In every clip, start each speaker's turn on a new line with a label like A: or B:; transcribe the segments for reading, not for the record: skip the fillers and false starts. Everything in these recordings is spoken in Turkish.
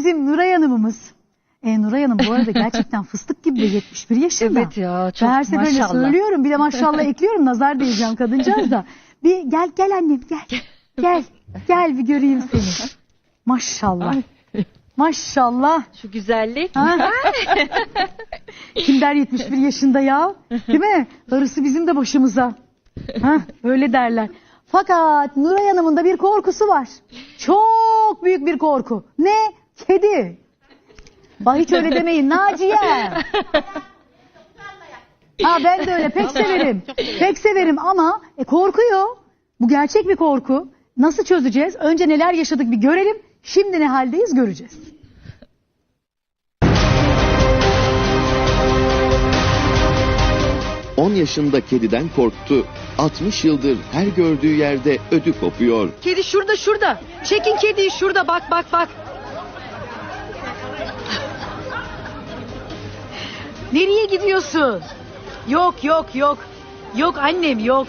A: bizim Nuray Hanım'ımız. Nuray Hanım bu arada gerçekten fıstık gibi 71 yaşında.
B: Evet ya, çok
A: her seferinde
B: maşallah.
A: söylüyorum, bir de maşallah ekliyorum, nazar değeceğim kadıncağız da. Bir gel annem gel bir göreyim seni. Maşallah. Maşallah.
B: Şu güzellik.
A: Kim der 71 yaşında ya? Değil mi? Darısı bizim de başımıza. Öyle derler. Fakat Nuray Hanım'ın da bir korkusu var. Çok büyük bir korku. Ne? Kedi. Bak hiç öyle demeyin Naciye. Ben de öyle pek severim. Pek severim ama korkuyor. Bu gerçek bir korku. Nasıl çözeceğiz? Önce neler yaşadık bir görelim. Şimdi ne haldeyiz göreceğiz.
C: ...10 yaşında kediden korktu. 60 yıldır her gördüğü yerde ödü kopuyor.
A: Kedi şurada. Çekin kediyi şurada, bak. Nereye gidiyorsun? Yok. Yok annem yok.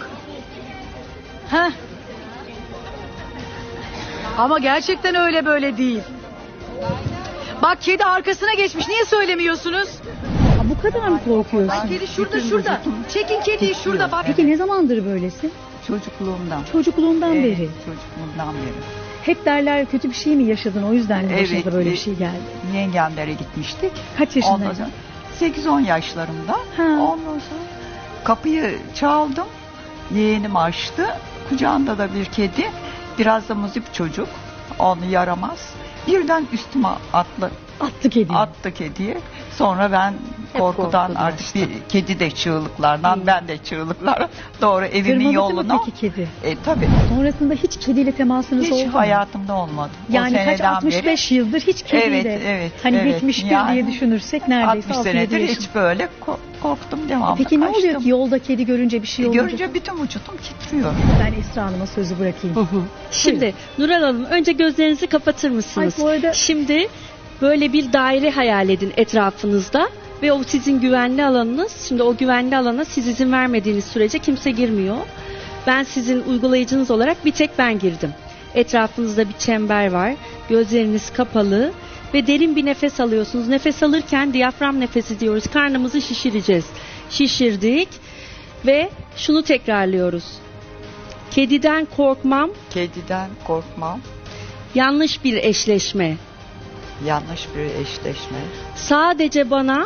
A: Ama gerçekten öyle böyle değil. Bak kedi arkasına geçmiş. Niye söylemiyorsunuz? Bu kadar mı korkuyorsun? Bak kedi şurada. Çekin kediyi şurada bak. Peki ne zamandır böylesi?
D: Çocukluğumdan.
A: Çocukluğundan beri.
D: Çocukluğumdan beri.
A: Hep derler kötü bir şey mi yaşadın, o yüzden mi başınıza böyle bir şey geldi?
D: Yengemlere gitmiştik.
A: Kaç yaşındaydın?
D: 8-10 yaşlarımda. Ondan sonra kapıyı çaldım. Yeğenim açtı. Kucağında da bir kedi. Biraz da muzip çocuk. Onu yaramaz. Birden üstüme attı kediyi. Sonra ben korkudan artık bir kedi de çığlıklardan, ben de çığlıklar doğru evimin yoluna.
A: Tırmandı mı peki kedi?
D: Tabii.
A: Sonrasında hiç kediyle temasınız oldu mu?
D: Hiç hayatımda olmadı.
A: Yani kaç 65 yıldır hiç kediyle.
D: Evet.
A: Bitmiştir yani, diye düşünürsek neredeyse
D: 60 senedir hiç böyle korktum devamlı.
A: Peki ne oluyor ki yolda kedi görünce bir şey oluyor?
D: Görünce bütün vücudum titriyor.
A: Ben Esra Hanım'a sözü bırakayım.
B: Şimdi Nuray Hanım önce gözlerinizi kapatır mısınız?
A: Bu arada...
B: Şimdi böyle bir daire hayal edin etrafınızda ve o sizin güvenli alanınız. Şimdi o güvenli alana siz izin vermediğiniz sürece kimse girmiyor. Ben sizin uygulayıcınız olarak bir tek ben girdim. Etrafınızda bir çember var. Gözleriniz kapalı ve derin bir nefes alıyorsunuz. Nefes alırken diyafram nefesi diyoruz. Karnımızı şişireceğiz. Şişirdik ve şunu tekrarlıyoruz. Kediden korkmam.
D: Kediden korkmam.
B: Yanlış bir eşleşme.
D: Yanlış bir eşleşme.
B: Sadece bana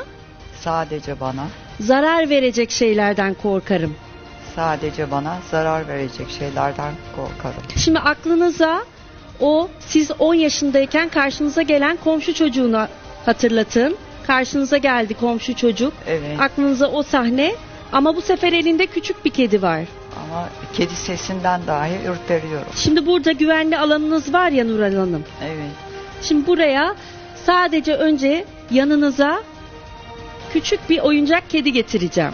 B: zarar verecek şeylerden korkarım.
D: Sadece bana zarar verecek şeylerden korkarım.
B: Şimdi aklınıza siz 10 yaşındayken karşınıza gelen komşu çocuğunu hatırlatın. Karşınıza geldi komşu çocuk.
D: Evet.
B: Aklınıza o sahne ama bu sefer elinde küçük bir kedi var.
D: Ama kedi sesinden dahi ürperiyorum.
B: Şimdi burada güvenli alanınız var ya Nuray Hanım.
D: Evet.
B: Şimdi buraya sadece önce yanınıza küçük bir oyuncak kedi getireceğim.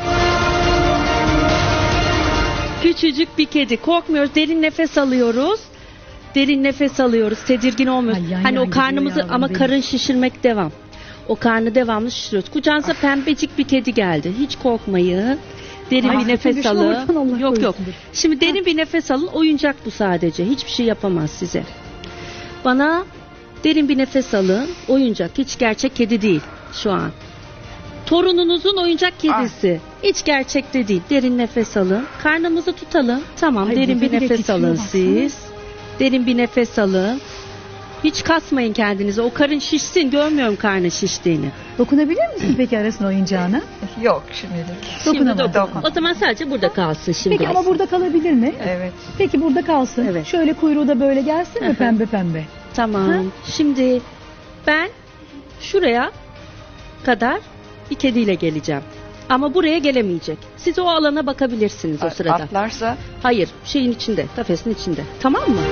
B: Küçücük bir kedi. Korkmuyoruz. Derin nefes alıyoruz. Tedirgin olmuyoruz. Hani o karnımızı ama karın şişirmek devam. O karnı devamlı şişiriyoruz. Kucağınıza pembecik bir kedi geldi. Hiç korkmayın. Derin bir nefes alın. Yok. Şimdi derin bir nefes alın. Oyuncak bu sadece. Hiçbir şey yapamaz size. Bana derin bir nefes alın. Oyuncak. Hiç gerçek kedi değil şu an. Torununuzun oyuncak kedisi. Hiç gerçekte değil. Derin nefes alın. Karnımızı tutalım. Tamam. Derin bir nefes alın siz. Derin bir nefes alın. Hiç kasmayın kendinizi. O karın şişsin. Görmüyorum karnı şiştiğini.
A: Dokunabilir misin peki arasına oyuncağına?
D: Yok şimdilik.
A: Dokunamam.
B: O zaman sadece burada kalsın şimdi.
A: Peki ama burada kalabilir mi?
D: Evet.
A: Peki burada kalsın.
B: Evet.
A: Şöyle kuyruğu da böyle gelsin mi pembe?
B: Tamam. Şimdi ben şuraya kadar bir kediyle geleceğim. Ama buraya gelemeyecek. Siz o alana bakabilirsiniz o sırada.
D: Atlarsa?
B: Hayır. Şeyin içinde. Kafesin içinde. Tamam mı?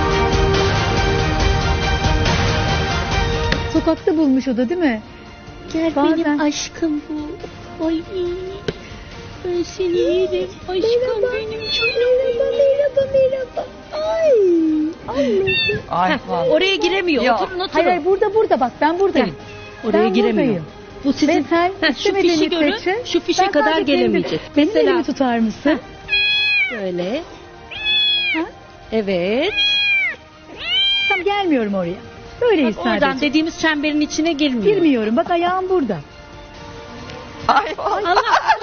A: Sokakta bulmuş o da değil mi?
B: Gel benim aşkım bu. Ay ben seni yerim. Aşkım benim canım.
A: Merhaba.
D: Ay
B: oraya giremiyor. Oturun.
A: Hayır burada bak ben buradayım.
B: Oraya giremiyor.
A: Buradayım.
B: Bu sizin şu fişi görün. Şu fişe kadar gelemeyecek.
A: Benim elimi tutar mısın?
B: Böyle. Evet.
A: Tam gelmiyorum oraya. Böyleyiz
B: Bak,
A: sadece.
B: oradan dediğimiz çemberin içine girmiyor.
A: Girmiyorum. Bak ayağım burada.
D: Ay vallahi.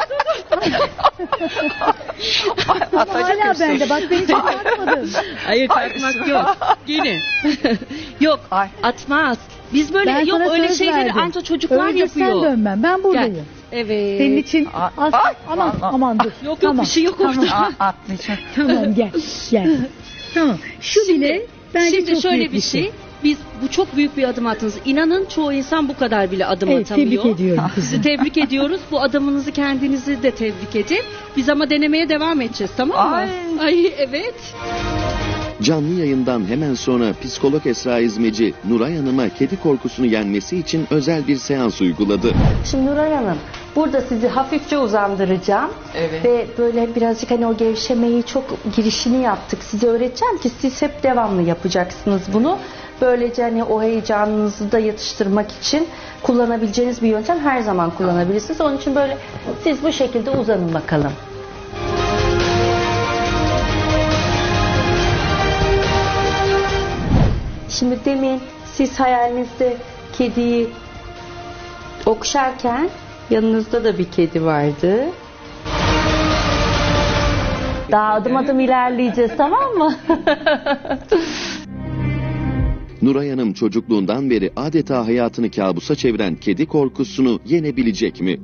A: Hala bende. Bak beni çok atmadın.
B: Hayır kalkmak yok. Yine. Yok
D: Ay.
B: atmaz. Biz böyle
A: Ben
B: yok
A: sana
B: öyle
A: söz
B: şeyleri
A: verdim.
B: anca çocuklar
A: Önce
B: yapıyor.
A: sen dönmem. Ben buradayım.
B: Gel. Evet.
A: Senin için aman aman dur.
B: Yok
A: Tamam,
B: bir şey yok
A: tamam.
B: orada.
D: Atmayacağım.
A: Tamam gel. Gel. Tamam. Şu bile bence
B: Şimdi
A: çok
B: şöyle
A: büyük
B: bir şey. Biz bu çok büyük bir adım attınız. İnanın çoğu insan bu kadar bile adım
A: Evet,
B: atamıyor.
A: tebrik ediyorum
B: Sizi
A: kızım.
B: tebrik ediyoruz. Bu adımınızı kendinizi de tebrik edin. Biz ama denemeye devam edeceğiz, tamam mı? Ay evet.
C: Canlı yayından hemen sonra psikolog Esra İzmeci, Nuray Hanım'a kedi korkusunu yenmesi için özel bir seans uyguladı.
B: Şimdi Nuray Hanım, burada sizi hafifçe uzandıracağım.
D: Evet.
B: Ve böyle birazcık hani o gevşemeyi çok girişini yaptık. Size öğreteceğim ki siz hep devamlı yapacaksınız bunu. Böylece hani o heyecanınızı da yatıştırmak için kullanabileceğiniz bir yöntem, her zaman kullanabilirsiniz. Onun için böyle siz bu şekilde uzanın bakalım. Şimdi demin siz hayalinizde kediyi okşarken yanınızda da bir kedi vardı. Daha adım adım ilerleyeceğiz, tamam mı?
C: Nuray Hanım çocukluğundan beri adeta hayatını kabusa çeviren kedi korkusunu yenebilecek mi?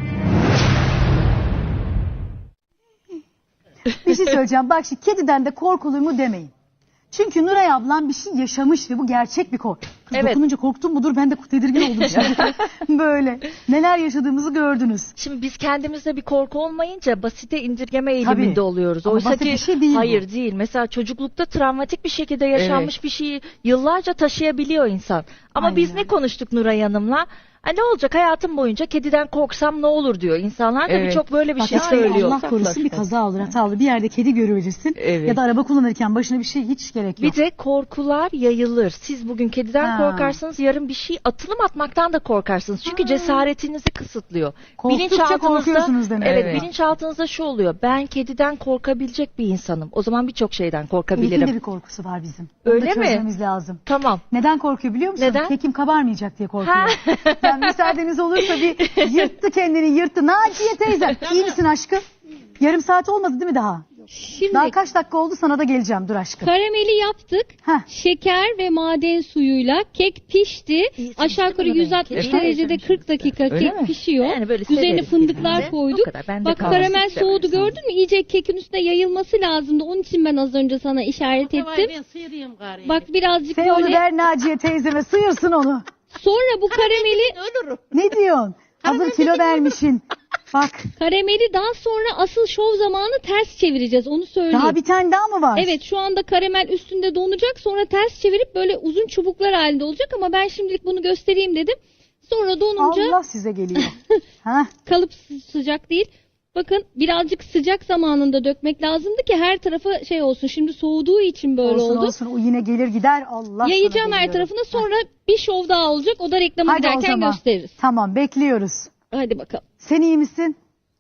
A: Bir şey söyleyeceğim. Bak şimdi kediden de korkulur mu demeyin. Çünkü Nuray ablam bir şey yaşamış ve bu gerçek bir korku. Kız
B: Evet.
A: dokununca korktun mudur? Ben de tedirgin oldum şimdi. Böyle. Neler yaşadığımızı gördünüz.
E: Şimdi biz kendimizde bir korku olmayınca basite indirgeme eğiliminde
A: Tabii.
E: oluyoruz.
A: Ama
E: Oysa
A: basit
E: ki
A: bir şey değil bu.
E: hayır değil. Mesela çocuklukta travmatik bir şekilde yaşanmış bir şeyi yıllarca taşıyabiliyor insan. Ama
A: Aynen
E: biz
A: öyle.
E: ne konuştuk Nuray Hanım'la? Ne olacak hayatım boyunca kediden korksam ne olur diyor. İnsanlar da
D: Evet.
E: birçok böyle bir
A: Bak
E: şey
A: yani
E: söylüyor.
A: Allah korusun bir kaza olur, hata olur. Bir yerde kedi görüverirsin.
D: Evet.
A: Ya da araba kullanırken başına bir şey hiç gerek yok.
E: Bir de korkular yayılır. Siz bugün kediden
A: Ha.
E: korkarsınız, yarın bir şey atılım atmaktan da korkarsınız. Çünkü cesaretinizi kısıtlıyor.
A: Korktukça korkuyorsunuz demek.
E: Evet,
D: Evet.
E: bilinçaltınızda şu oluyor. Ben kediden korkabilecek bir insanım. O zaman birçok şeyden
A: Elif'in
E: korkabilirim.
A: de bir korkusu var bizim. Onu
E: Öyle
A: da
E: mi?
A: çözmemiz lazım.
E: Tamam.
A: Neden korkuyor biliyor musun?
E: Neden?
A: Kekim kabarmayacak diye korkuyor.
E: Ha.
A: Ben müsaadeniz olursa bir yırttı kendini yırttı. Naciye teyze iyi misin aşkım? Yarım saat olmadı değil mi daha?
F: Şimdi
A: Daha kaç dakika oldu, sana da geleceğim, dur aşkım.
F: karameli yaptık.
A: Heh.
F: Şeker ve maden suyuyla kek pişti.
E: İyisin,
F: Aşağı yukarı
E: değil mi?
F: 160
E: Efendim?
F: derecede 40 dakika
D: Öyle
F: kek
D: mi?
F: pişiyor.
E: Yani böyle
F: Üzerine
E: severiz
F: fındıklar
E: birbirimize.
F: koyduk.
E: O kadar, ben de
F: Bak
E: kalsın.
F: karamel
E: Severiz.
F: soğudu, gördün mü? İyice kekin üstüne yayılması lazımdı. Onun için ben az önce sana işaret ettim. Bak birazcık
A: Sen onu
F: böyle.
A: ver Naciye teyzeme, sıyırsın onu.
F: Sonra bu karameli
A: Ne diyorsun? Hazır kilo vermişin. Bak
F: karameli daha sonra asıl şov zamanı ters çevireceğiz. Onu söyleyeyim.
A: daha bir tane daha mı var?
F: Evet, şu anda karamel üstünde donacak, sonra ters çevirip böyle uzun çubuklar halinde olacak ama ben şimdilik bunu göstereyim dedim. Sonra donunca
A: Allah size geliyor. Ha?
F: kalıp sıcak değil. Bakın birazcık sıcak zamanında dökmek lazımdı ki her tarafa şey olsun. Şimdi soğuduğu için böyle
A: Olsun
F: oldu.
A: olsun, o yine gelir gider, Allah
F: Yayacağım
A: sana
F: her
A: geliyorum.
F: tarafına, sonra bir şov daha olacak. O da reklama
A: Hadi o
F: giderken
A: zaman.
F: gösteririz.
A: Tamam, bekliyoruz.
F: Hadi bakalım.
A: Sen iyi misin?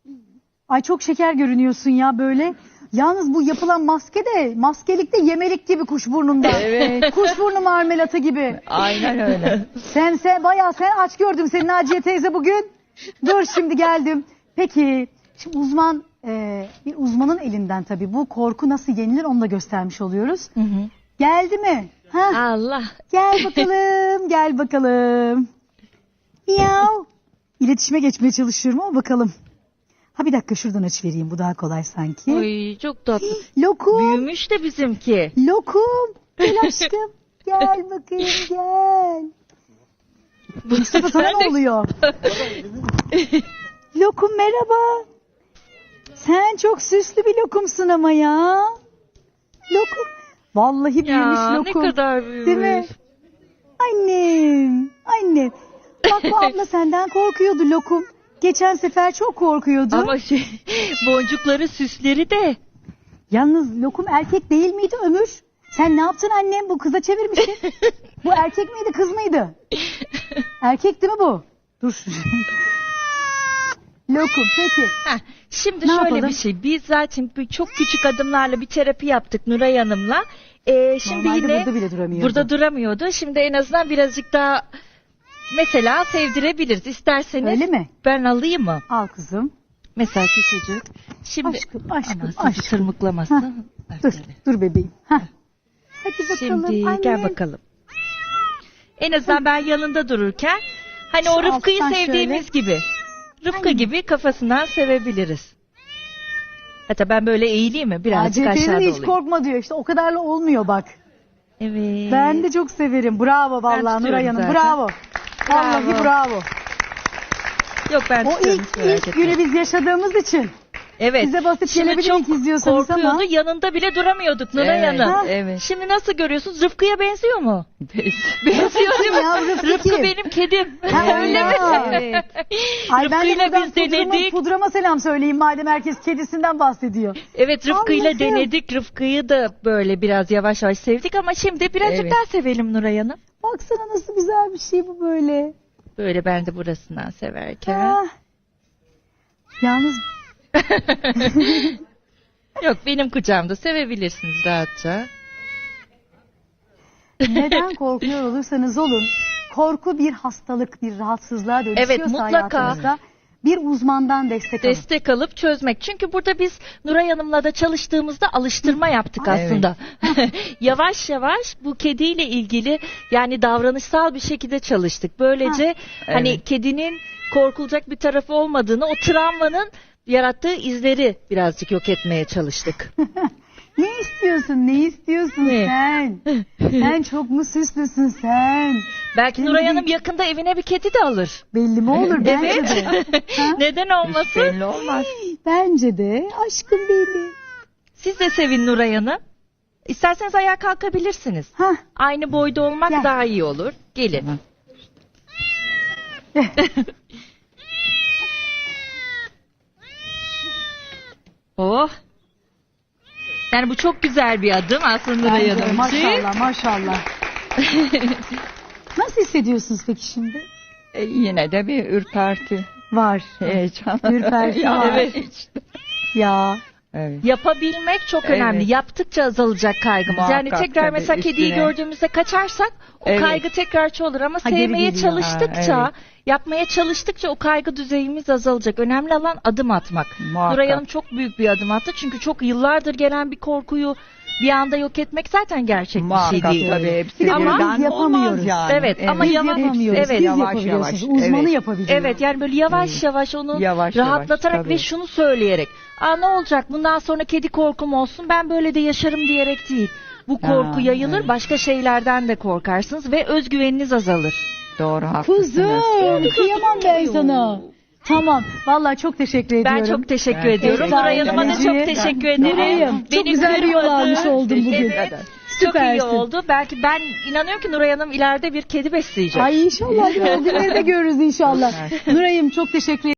A: Ay çok şeker görünüyorsun ya böyle. Yalnız bu yapılan maske de maskelikte yemelik gibi kuşburnunda.
D: Evet.
A: Kuşburnu marmelatı gibi.
D: Aynen öyle.
A: Sen bayağı sen aç gördüm seni Naciye teyze bugün. Dur şimdi geldim. Peki şimdi bir uzmanın elinden tabii bu korku nasıl yenilir onu da göstermiş oluyoruz. Geldi mi? Ha?
E: Allah.
A: Gel bakalım, gel bakalım. Miyav. İletişime geçmeye çalışıyorum ama bakalım. Ha bir dakika şuradan aç vereyim, bu daha kolay sanki.
E: Oy çok tatlı.
A: Lokum,
E: Büyümüş de bizimki.
A: lokum. Gel aşkım. Gel bakayım gel. Mustafa sana ne oluyor? Lokum merhaba. Sen çok süslü bir lokumsun ama ya. Lokum. Vallahi büyümüş
E: Ya
A: lokum.
E: ne kadar büyümüş.
A: Değil mi? Annem, annem. Bak bu abla senden korkuyordu lokum. Geçen sefer çok korkuyordu.
E: Ama boncukları süsleri de.
A: Yalnız lokum erkek değil miydi Ömür? Sen ne yaptın annem? Bu kıza çevirmişsin. Bu erkek miydi kız mıydı? Erkek değil mi bu? Dur. Lokum peki.
E: Şimdi
A: Ne
E: şöyle
A: yapalım?
E: bir şey. Biz zaten çok küçük adımlarla bir terapi yaptık Nuray Hanım'la. Şimdi
A: Normalde
E: yine
A: burada bile duramıyordu.
E: burada duramıyordu. Şimdi en azından birazcık daha mesela sevdirebiliriz. İsterseniz
A: Öyle mi?
E: ben alayım mı?
A: Al kızım.
E: Mesela küçücük. Şimdi
A: Aşkım,
E: aman
A: aşkım,
E: sizi
A: aşkım.
E: tırmıklamasın.
A: Dur, dur bebeğim. Heh. Hadi bakalım
E: Şimdi gel
A: annem.
E: bakalım. En azından ben yanında dururken hani o
A: Şu
E: Rıfkı'yı
A: alttan
E: sevdiğimiz gibi. Rıfkı
A: Aynen.
E: gibi kafasından sevebiliriz. Hatta ben böyle eğileyim mi? Birazcık
A: Aa,
E: aşağıda
A: hiç
E: olayım.
A: korkma diyor işte o kadarla olmuyor bak.
E: Evet.
A: Ben de çok severim. Bravo vallahi
E: tutuyorum
A: Nuray Hanım.
E: zaten.
A: Bravo. Vallahi bravo.
E: Yok ben
A: O
E: tutuyorum,
A: ilk,
E: hiç merak
A: ilk
E: etmeyin.
A: günü biz yaşadığımız için.
E: Evet.
A: Bize basit
E: Şimdi
A: gelebilir
E: çok
A: ilk izliyorsanız
E: korkuyordu.
A: ama.
E: Yanında bile duramıyorduk Nuray
D: Evet,
E: Hanım.
D: evet.
E: Şimdi nasıl görüyorsunuz? Rıfkı'ya benziyor mu? Benziyor değil mi?
A: Ya, Rıfkı
E: Rıfkı
A: kim?
E: benim kedim.
A: Ha,
E: Öyle mi?
A: evet. Ay ben de
E: Rıfkı'yla
A: buradan
E: biz denedik.
A: pudrama selam söyleyeyim madem herkes kedisinden bahsediyor.
E: Evet Rıfkı'yla
A: Allah'ım.
E: denedik. Rıfkı'yı da böyle biraz yavaş yavaş sevdik ama şimdi birazcık
D: Evet.
E: daha sevelim Nuray Hanım.
A: Baksana nasıl güzel bir şey bu böyle.
E: Böyle ben de burasından severken.
A: Ah. Yalnız
E: Yok benim kucağımda sevebilirsiniz rahatça.
A: neden korkuyor olursanız olun. Korku bir hastalık, bir rahatsızlığa dönüşüyorsa
E: Evet, mutlaka.
A: hayatınızda bir uzmandan destek alın.
E: Destek alıp çözmek. Çünkü burada biz Nuray Hanım'la da çalıştığımızda alıştırma yaptık aslında. Yavaş yavaş bu kediyle ilgili yani davranışsal bir şekilde çalıştık. Böylece hani
D: Evet.
E: kedinin korkulacak bir tarafı olmadığını, o travmanın yarattığı izleri birazcık yok etmeye çalıştık.
A: Ne istiyorsun? Ne istiyorsun
E: Ne?
A: sen? Sen çok mu süslüsün sen?
E: Belki
A: Şimdi
E: Nuray
A: bir-
E: Hanım yakında evine bir kedi de alır.
A: Belli mi olur? Bence
E: Evet.
A: de. Ha?
E: Neden olmasın?
D: Belli olmaz.
A: Bence de. Aşkım benim.
E: Siz de sevin Nuray Hanım. İsterseniz ayağa kalkabilirsiniz.
A: Hah.
E: Aynı boyda olmak
A: Gel.
E: daha iyi olur. Gelin. Oh. Yani bu çok güzel bir adım aslında Nuray
A: Bence de.
E: Hanım için.
A: Maşallah maşallah. Nasıl hissediyorsunuz peki şimdi?
D: Yine de bir ürperti,
A: Var.
D: heyecan.
A: Ürperti
D: Ya,
A: var.
E: Evet.
D: işte.
A: Ya.
D: Evet.
E: Yapabilmek çok
D: Evet.
E: önemli. Yaptıkça azalacak kaygımız. Yani
D: Muhakkak
E: tekrar
D: tabii,
E: mesela kediyi
D: üstüne.
E: gördüğümüzde kaçarsak o
D: Evet.
E: kaygı tekrar çoğalır ama
A: Ha, geri
E: sevmeye
A: geliyor.
E: çalıştıkça,
D: Ha,
E: yapmaya çalıştıkça o kaygı düzeyimiz azalacak. Önemli olan adım atmak.
D: Muhakkak.
E: Nuray Hanım çok büyük bir adım attı. Çünkü çok yıllardır gelen bir korkuyu bir anda yok etmek zaten gerçek bir şey
D: Muhakkak
E: değil.
D: tabii hepsi
A: Bir de
E: Ama
D: birden
A: biz yapamıyoruz.
D: olmaz yani.
E: Evet, ama
A: Biz
E: yavaş-
A: yapamıyoruz.
E: evet,
A: Siz
D: yavaş
A: yapabiliyorsunuz.
D: yavaş,
A: Uzmanı
D: evet.
A: yapabiliyor.
E: Evet yani böyle yavaş yavaş onu
D: Yavaş
E: rahatlatarak
D: yavaş,
E: ve
D: tabii.
E: şunu söyleyerek. Aa ne olacak bundan sonra kedi korkum olsun ben böyle de yaşarım diyerek değil. Bu korku
D: Ha,
E: yayılır
D: evet.
E: başka şeylerden de korkarsınız ve özgüveniniz azalır.
D: Doğru haklısınız.
A: Kuzum kıyamam ben sana. Tamam. Vallahi çok teşekkür ediyorum.
E: Ben çok teşekkür
D: Evet.
E: ediyorum.
A: Sağ
E: Nuray
A: olun.
E: Hanım'a da çok
A: Nuray'ım,
E: teşekkür ederim.
A: Nuray'ım, çok
E: Beni
A: güzel bir yol
E: kırmadı.
A: almış oldum bugün.
E: Evet. Çok iyi
A: Süpersin.
E: oldu. Belki ben inanıyorum ki Nuray Hanım ileride bir kedi besleyecek.
A: Ay inşallah. O günleri de görürüz inşallah. Nuray'ım çok teşekkür